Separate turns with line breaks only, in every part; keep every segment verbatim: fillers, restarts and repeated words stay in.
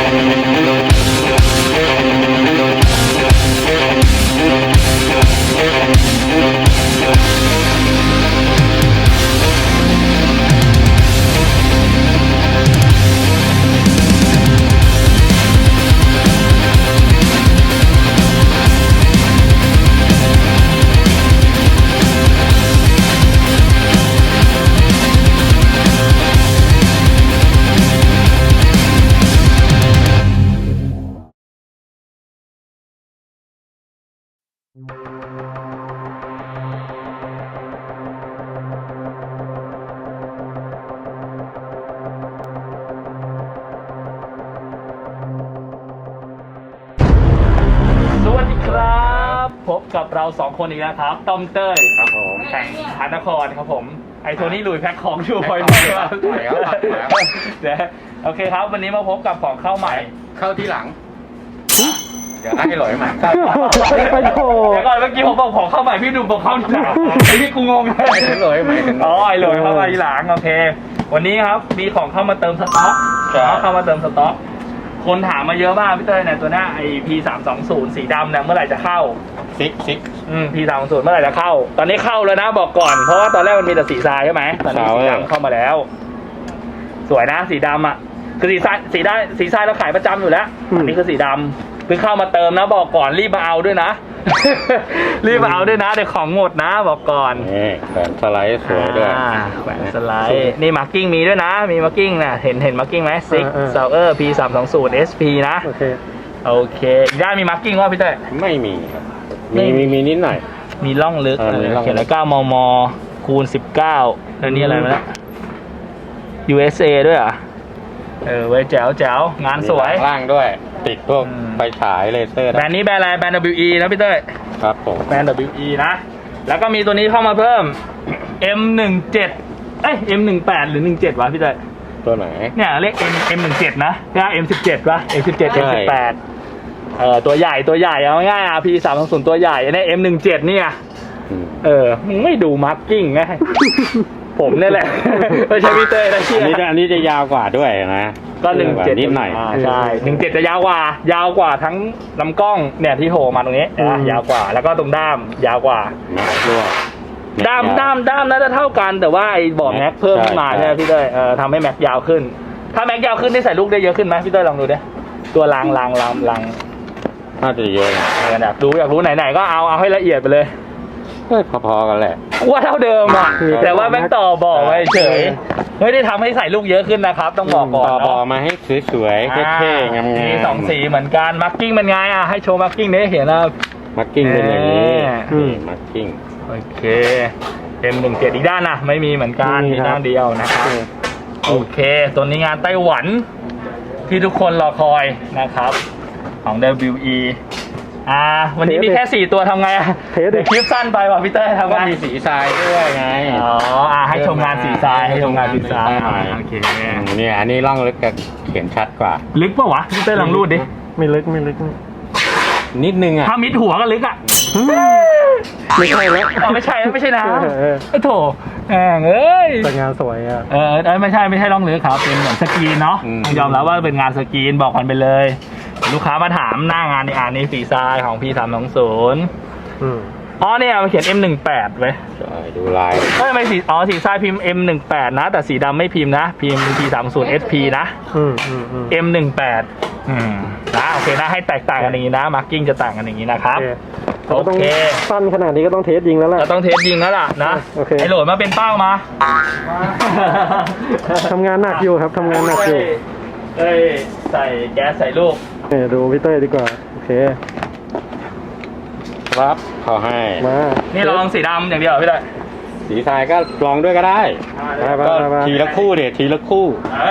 พบกับเราสองคนอีกแล้วครับต้อมเต้ย
ครับผม
แข่งพานครครับผมไอโทนี่ลุยแพ็คของอยู่บ่อยๆครับเดี๋ยวโอเคครับวันนี้มาพบกับของเข้าใหม่
เข้าที่หลังเดี๋ยวให้หลอยใหม่
ไปโถ
เดี๋ยวก่อนเมื่อกี้ผมบอกของเข้าใหม่พี่ดูบอกเข้าหลังไอ้ที่กูงงเลย
หลอยใหม่ถึง
อ๋อไอโหลยเข้ามาทีหลังโอเควันนี้ครับมีของเข้ามาเติมสต็อกเข้ามาเติมสต็อกคนถามมาเยอะมากพี่เต้ยเนี่ยตัวหน้าไอพีสามสองศูนย์สีดำเนี่ยเมื่อไหร่จะเข้า
ซิกซิก
อืมพีสามศูนย์เมื่อไหร่จะเข้าตอนนี้เข้าแล้วนะบอกก่อนเพราะว่าตอนแรกมันมีแต่สีทรายใช่ไหมตอนนี้สีดำเข้ามาแล้วสวยนะสีดำอ่ะคือสีทรายสีได้สีทรายเราขายประจำอยู่แล้วอันนี้คือสีดำเพิ่งเข้ามาเติมนะบอกก่อนรีบมาเอาด้วยนะ รีบมาเอาด้วยนะเดี๋ยวของหมดนะบอกก่อน
นี่แขวนสไลด์สวยด้วย
แขวนสไลด์นี่มาร์กิ้งมีด้วยนะมีมาร์กิ้งนะเห็นเห็นมาร์กิ้งไหมซิกเซลเออร์พีสามสองศูนย์เอสพีนะ
โอเค
โอเคได้มีมาร์กิ้งว่าพี่เต้
ไม่มีครับมีมีมีนิดหน่อย
มีร่องลึกเขียนแล้วเก้ามมคูณสิบเก้าแล้วนี่อะไรมาแล้ว ยู เอส เอ ด้วยอ่ะเออไว้แจ๋วแจ๋วงานสวย
ล่างด้วยติดพวกไฟฉายเลเซอร์
แบรนด์นี้แบรนด์อะไรแบรนด์ ดับเบิลยู อี นะพี่เต้ย
ครับผม
แบรนด์ ดับเบิลยู อี นะแล้วก็มีตัวนี้เข้ามาเพิ่ม เอ็ม สิบเจ็ด เอ้ย เอ็ม สิบแปด หรือสิบเจ็ดวะพี่เต้ย
ตัวไหน
เนี่ยเรียก M เอ็ม สิบเจ็ด นะใช่ เอ็ม สิบเจ็ด วะ เอ็ม สิบเจ็ด เอ็ม สิบแปด เออตัวใหญ่ตัวใหญ่เอาง่ายๆ พี สามสองศูนย์ ตัวใหญ่อันนี้ เอ็ม สิบเจ็ด เนี่ยเออมึงไม่ดูมาร์กิ้งไงผมนี่แหละไม่ใช่พี่เต้ยนะเชี่ย
อันนี้อันนี้จะยาวกว่าด้วยนะ
ก็หนึ่งเจ็ด
นิดหน่อย
ใช่หนึ่งเจ็ดจะยาวกว่ายาวกว่าทั้งลำกล้องเนี่ยที่โผล่มาตรงนี้นะยาวกว่าแล้วก็ตรงด้ามยาวกว่าด้ามด้ามด้ามน่าจะเท่ากันแต่ว่าไอ้บอร์ดแม็กเพิ่มขึ้นมาใช่ไหมพี่เต้ยเออทำให้แม็กยาวขึ้นถ้าแม็กยาวขึ้นได้ใส่ลูกได้เยอะขึ้นไหมพี่เต้ยลองดูดิตัวรางรางรางราง
น่าจะเยอะนะ
อยากดูอยากรู้ไหนๆก็เอาเอาให้ละเอียดไปเลย
พอๆกันแหละ
ว่าเท่าเดิมอ่ะแต่ว่าแม็กต่อบอกไว้เฉยไม่ได้ทำให้ใส่ลูกเยอะขึ้นนะครับต้องบอกก่อน
ต่อบอกมาให้สวยๆเท่ๆงามๆ
มีสองสีเหมือนกันมาร์กิ้งเป็นไงอ่ะให้โชว์มาร์กิ้งนี้เห็นนะ
มาร์กิ้งเป็นอย่างนี้มาร์กิ้ง
โอเค เอ็ม สิบเจ็ด อีกด้านนะไม่มีเหมือนกันมีด้านเดียวนะครับโอเคตัวนี้งานไต้หวันที่ทุกคนรอคอยนะครับของ ดับเบิลยู อี อ่าวันนี้มีแค่สี่ตัวทำไงอ่ะเดี๋ยวคลิปสั้นไปว่ะพี่เต้ยทำไง
มีสีทรายด้วยไง
อ๋ออ่าให้ชมงานสีทรายให้ชมงานสีทรายโอเค
เนี่ยอันนี้ร่องลึกจะเขียนชัดกว่า
ลึกป่ะวะพี่เต้ยลองรูดดิ
ไม่ลึกไม่ลึก
นิดนึงอ่ะ
ถ้ามิดหัวก็ลึกอ่ะ
ไม่ใช่แล้ว
อ๋อไม่ใช่ไม่ใช่นะไอ้โถแหงเอ้ย
แต่งานสวยอ่ะ
เออไม่ใช่ไม่ใช่ร่องลึกครับเป็นเหมือนสกรีนเนาะยอมรับว่าเป็นงานสกรีนบอกกันไปเลยลูกค้ามาถามหน้างานในอ่านนี้สีทรายของ พี สามสองศูนย์
อืม
อ๋อเนี่ยมันเขียน เอ็ม สิบแปด ไว้
ใช่ดูลาย
เอ้ยไม่สีอ๋อสีทรายพิมพ์ เอ็ม สิบแปด นะแต่สีดำไม่พิมพ์นะพิมพ์ พี สามศูนย์ เอส พี นะ
อืมอืมอืม
เอ็ม สิบแปด อืมนะโอเคนะให้แตกต่างกันอย่างนี้นะมาร์กิ้งจะต่างกันอย่างนี้นะครับโอเค
สั้นขนาดนี้ก็ต้องเทสยิงแล้วแหละ
เราต้องเทสยิงแล้วล่ะนะไอโหลดมาเป็นเป้ามา
ทำงานหนักอยู่ครับทำงานหนักอยู่
เอ้ยใส่แก๊สใส่ลูก
เนี่ยดูพี่เต้ยดีกว่าโอเค
ครับขอให้
มา
นี่ลองสีดำอย่างเดียวพี่เต้ย
สีทรายก็ลองด้วยก็ได้ก็ทีละคู่เดี๋ยวทีละคู่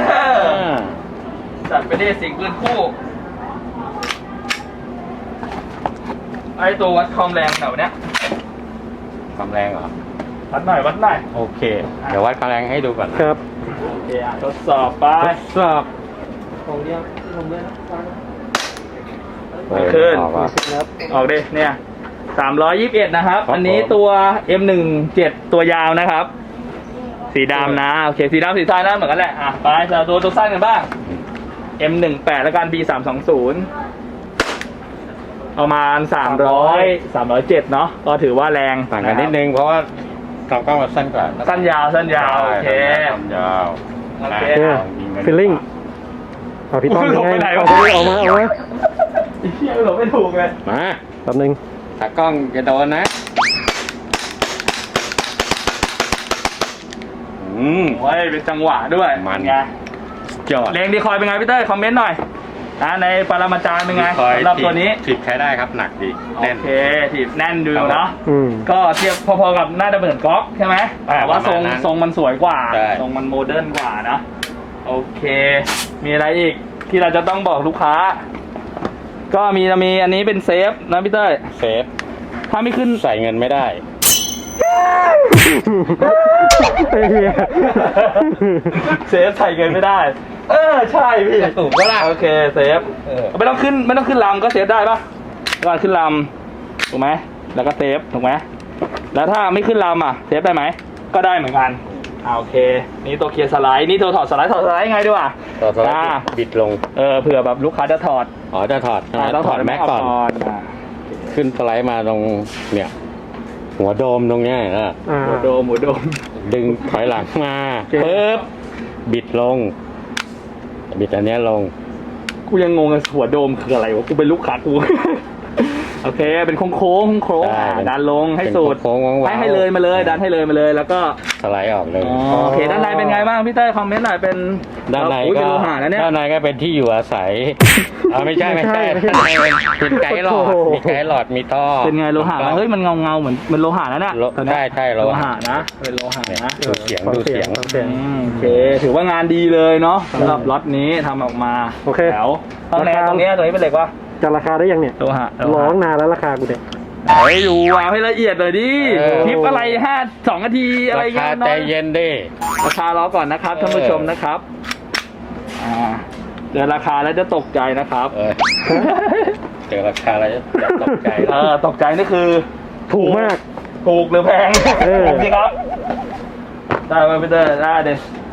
จัดไปได้สิงปืนคู่ไอตัววัดความแรงแถวเนี้ย
ความแรงเหรอ
วัดหน่อยวัดหน่อย
โอเคเดี๋ยววัดความแรงให้ดูก่อน
ครับ
โอเคอ่ะทดสอบไป
ทดสอบ
ของเดียวผมเลยนะขึ้นออกดิเนี่ยสามร้อยยี่สิบเอ็ดนะครับอันนี้ตัว เอ็ม สิบเจ็ด ตัวยาวนะครับสีดำนะโอเคสีดำสีทรายนะเหมือนกันแหละอ่ะไปเราตัวตัวสั้นกันบ้างเอ็ม หนึ่งแปด แล้วกัน บี สามสองศูนย์ ประมาณสามร้อย สามร้อยเจ็ดเนาะก็ถือว่าแรง
ต่างกันนิดนึงเพราะว่าลำกล้องมันสั้นกว่า
สั้นยาวสั้นยาวโอเค
สั้นยาว
โอเค
โอเคฟิลลิ่งเอาพี่ต้อม
หลบไปไหนวะ
เอาไปเอามาเอามา
ไอ้เหี้ยหลบไม่ถูกเลย
มา
แป๊บนึง
ตากล้องจะโดนนะอืม
โอ้ยเป็นจังหวะด้วย
มัน
ไง
ยอด
เลงดีคอยเป็นไงพี่เต้ยคอมเมนต์หน่อยนะในปรมาจารย์เป็นไง
คอย
สำหรับตัวนี้
ถีบใช้ได้ครับหนักดี
โอ
แน่น
เคถีบแน่นดูเนาะ
อืม
ก็เทียบพอๆกับหน้าดับเบิลก๊อกใช่ไหม
อ่า
แต่ว่าทรง
ประมาณนั้น
ทรงมันสวยกว่า
ใช่
ทรงมันโมเดิร์นกว่านะโอเค มีอะไรอีกที่เราจะต้องบอกลูกค้า ก็มีจะมีอันนี้เป็นเซฟนะพี่เต้ย
เซฟ
ถ้าไม่ขึ้น
ใส่เงินไม่ได้
ไอ้เหี้ย
เซฟใส่เงินไม่ได้ เออใช่พี่
ถูกปะล่ะ
โอเคเซฟ
เออ
ไม่ต้องขึ้นไม่ต้องขึ้นลำก็เซฟได้ปะก็ขึ้นลำถูกไหมแล้วก็เซฟถูกไหมแล้วถ้าไม่ขึ้นลำอ่ะเซฟได้ไหมก็ได้เหมือนกันอ่าโอเค นี่ตัวเคลียร์สไลด์นี่ตัวถอดสไลด์ถอดสไลด์ไงดีวะ
ต่อสไล
อ่า
ด์บิดลง
เออเผื่อแบบลูกค้าจะถอด
อ๋อจะถอด
อ่าต้องถอด
แม็กก่อน
อ่า
ขึ้นสไลด์มาตรงเนี่ย หัวโดมตรงเนี้ยนะ
อ่า
หมูโดมหมูโดม
ดึงถอยหลังมา
โอเค
ปึ๊บบิดลง บิดอันเนี้ยลง
กูยังงงกับหัวโดมคืออะไรวะกูเป็นลูกค้ากู โอเคเป็นโค้งโค้งโค้ง
ใช่
ดันลงให้สุด
เป็นโค้งๆว้าวๆ
ให้ให้เลยมาเลยดันให้เลยมาเลยแล้วก็
สไลด์ออกเลย
อ๋อโอเคด้านในเป็นไงบ้างพี่เต้ยคอมเมนต์หน่อยเป็น
ด้านใน
อุ๊ย
ก็
เป็นโลหะนะเนี่ย
ด้านในก็เป็นที่อยู่อาศัยเอาไม่ใช่ไม่ใช่
ไม่ใช่
ด้านในเป็นไกด์หลอด
โอ้โห
มีไกด์หลอดมีท่อ
เป็นไงโลหะนะเฮ้ยมันเงาเงาๆเหมือนเป็นโลหะนะเนี่ย
โล
ตัวเนี้ย
ใช่ใช่โล
โล
หะ
หะนะเป็นโลหะนะ
ดูเสียงดูเสียง
ฟัเสียง
อืมโอเคถือว่างานดีเลยเนาะสำหรับล็อตนี้ทำออกมา
โอเค
แถวตรงนี้
ราคา
ตรงนี้ตรงนี้เป็นเหล็กวะ
จะราคาได้ยังเนี่ย
โลหะโล
ร้อ
หะ
งนานแล้วราคากูเนี่ย
เฮ้ยดูเอาให้ละเอียดเลยดิ
เออ
คลิปอะไรห้าสองนาทีอะไร
รา
เงี้
คาย
น้
ใจ
อย
เย็นดิ
ราคารอก่อนนะครับท่านผู้ชมนะครับอ่าเดี๋ยวราคาแล้วจะตกใจนะครับ
เออเจอราคาแล้วจะตกใจ
เออตกใจนี่คือ
ถูกมาก
ถูกหรือแพง
เออ
ถูกสิครับ ได้ไหมพี่เตอร์ได้เด็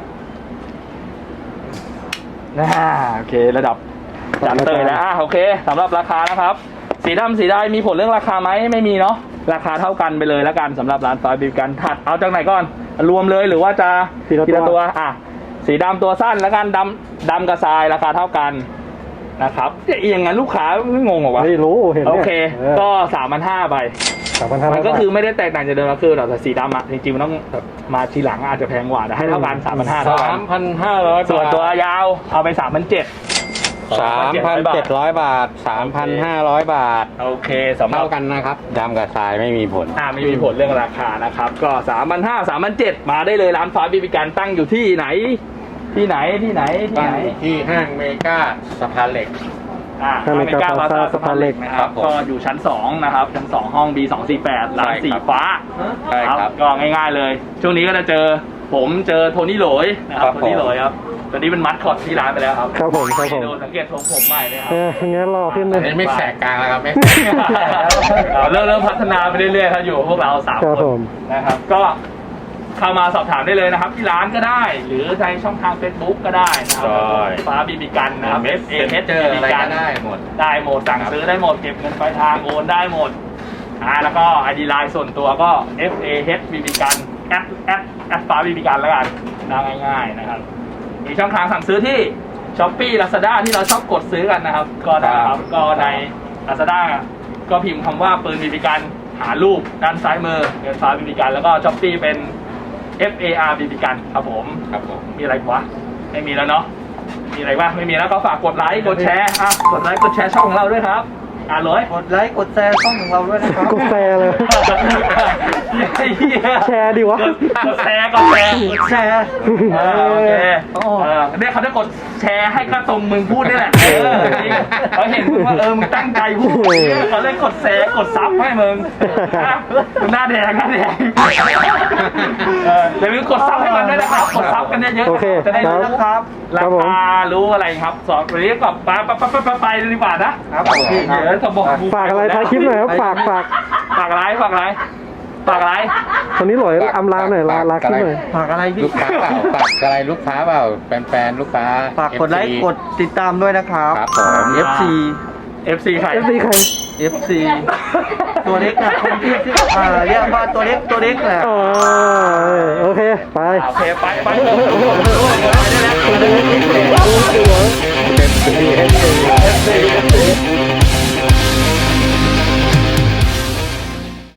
น่าโอเคระดับจัดเตยแล้วอ่ะโอเคสำหรับราคานะครับ สีดำสีได้มีผลเรื่องราคาไหมไม่มีเนาะราคาเท่ากันไปเลยแล้วกันสำหรับร้านฟ้าบิวกันถัดเอาจากไหนก่อนรวมเลยหรือว่าจะ
ทีละตัว
ตัวอ่ะสีดำตัวสั้นแล้วกันดำดำกับทรายราคาเท่ากันนะครับจะเอียงงั้นลูกค้าไม่งงเหรอวะ
ไม่รู้เห็น
โอ
นี่ย
เคก็สามพันห้าไป
สามพันห้าร้
มั
อย
นก็คือไม่ได้แตกต่างจากเดิมก็คือแต่สีดำอ่ะจริงๆมันต้องแบบมาทีหลังอาจจะแพงกว่าแต่ให้เท่ากันสามพันห้าเท่ากั
สาน มพันห้าร้อย
ส่วนตัวยาวเอาไปสามพันเจ็ด
สามพันเจ็ดร้อยบาทสามพันห้าร้อยบาท
โอเคสำหรับ
เท่ากันนะครับดำกับทรายไม่มีผล
อ่าไม่มีผลเรื่องราคานะครับ ก็สามพันห้าสามพันเจ็ดมาได้เลยร้านฟ้าบีบีกันตั้งอยู่ที่ไหน ที่ไหนที่ไหนที่
ตั้ง
ไหน
อยู่ที่ห้างเมกาสะพานเหล็ก
อ่า
ข้างในกา
พา
พาซาสะพานเหล็ก
นะค
ครั
รับบ
ผม
ก็อยู่ชั้นสองนะครับชั้นสองห้อง บี สองสี่แปดร้าน
ใช่ครับ
สีฟ้า
ใช่ครับ
ก็ง่ายๆเลย ช่วงนี้ก็จะเจอผมเจอโทนี่โหลยนะครับ
ครับ
โทนี่โหลยครับตอนนี้เป็นมัดคอตที่ร้านไปแล้วครับ
ครับผมครับผม
ดูสังเกตทรงผมใหม่เลยครั
เอบ องั้นรอขึ้นเลย
อันนี้ไม่แสกกลางแล้วครับไม่
เราเริ่มเริ่มพัฒนาไปเรื่อยๆครับอยู่กับพวกเราสาม
ครับ
คน
ผม
นะครับ ก็เข้ามาสอบถามได้เลยนะครับ ที่ร้านก็ได้ หรือในช่องทาง Facebook ก็ได้นะครั
ใช่
ฟ้าบีบีกันนะครับ F A H
เจอ
บี
อะไร
บีกั
ก็
น
ได้หมด
ได้หมดสั่งซื้อได้หมดเก็บเงินปลายทางโอนได้หมดอ่าแล้วก็ ไอ ดี Line ส่วนตัวก็ F A H บี บี กันแอดแอดแอดฟ้าบีบีกันแล้วกันนะง่ายๆนะครับ มีช่องทางสั่งซื้อที่ Shopee Lazada ที่เราชอบกดซื้อกันนะครับ ก็นะครับก็ใน Lazada ก็พิมพ์คำว่าปืนบีบีกันหารูปด้านซ้ายมือเงินฟ้าบีบีกันแล้วก็ Shopee เป็น F A R บีบีกันครับผม
ครับผม
มีอะไรวะไม่มีแล้วเนาะมีอะไรบ้างไม่มีแล้วก็ฝากกดไลค์กดแชร์อ่ะกดไลค์กดแชร์ช่องของเราด้วยครับอ่านเลย
กดไลค์กดแชร์ช่องของเราด้วยนะครับ
กดแชร์เลย
ไอ้เหี้ย
แชร์ดิวะ
กดแชร์กดแชร์
กดแชร์
เออโอเค
โอ้
เออเนี่ยเขาจะกดแชร์ให้กระตรงมึงพูดนี่แหละเออจริงเขาเห็นมึงว่าเออมึงตั้งใจพูดเขาเลยกดแชร์กดซับให้มึงอ่ะมึงหน้าแดงหน้าแดงเอออย่าลืมกดซับให้มันด้วยนะครับกดซับกันเยอะ
โอเค
ๆจะได้รู้นะครับ
ครั
รา
บผม
คารู้อะไรครับสอนวันนี้ก็ไปไปไปไปไปดีกว่านะครับ
ผม
เดี๋ยวจะบอก
ฝากอะไรท้ายคลิปหน่อยครับฝากฝาก
ฝากอะไรฝากอะไรฝากอะไร
ตอนนี้หลอยอำลาหน่อยลาลาขึ้นหน่อย
ฝากอะไรพี่
ลูกค้าเปล่าฝากอะไรลูกค้าเปล่าแฟนๆลูกค้า
ฝากกดไลค์กดติดตามด้วยนะครับ
ครับผม
เอฟซี
เอฟซีใคร
เอฟซีใคร
เอฟซีตัวเล็กนะคนที่ที่อ่าเรียกว่าตัวเล็กตัวเล็กแหละ
อ๋อโอเค ไป
โอเคไปไปไปได้แล้ว
เต็มที่ให้ดี